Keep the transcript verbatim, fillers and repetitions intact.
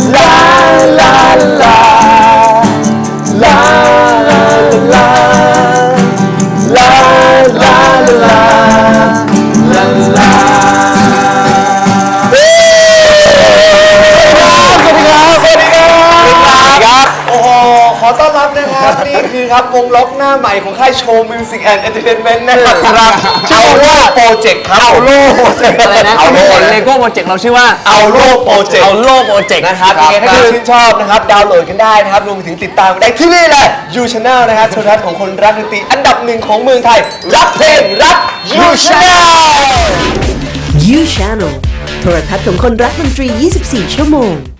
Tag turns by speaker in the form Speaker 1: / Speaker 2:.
Speaker 1: ลาลาลาลาลาลาลาลาลาลาลาสวัสดีครับ สวัสดีครับ สวัสดีครับ โอ้โห ขอต้อนรับนะครับ นี่คือครับวงล็อกหน้าใหม่ของค่ายโชว์มิวสิกแอนด์เอนเตอร์เทนเมนต์นะครับชื่อว่าโปรเจกต์ครับเอาโล่โปรเจกต์อะไรนะเอาโล่เลโก้โปรเจกต์เราชื่อว่าเอาโล่โปรเจกต์เอาโล่โปรเจกต์นะครับยังไงถ้าเกิดชื่นชอบนะครับดาวน์โหลดกันได้นะครับรวมไปถึงติดตามได้ที่นี่แหละ You Channel นะครับโทรทัศน์ของคนรักดนตรีอันดับหนึ่งของเมืองไทยรักเพลงรัก You Channel
Speaker 2: You Channel โทรทัศน์ของคนรักดนตรี ยี่สิบสี่ ชั่วโมง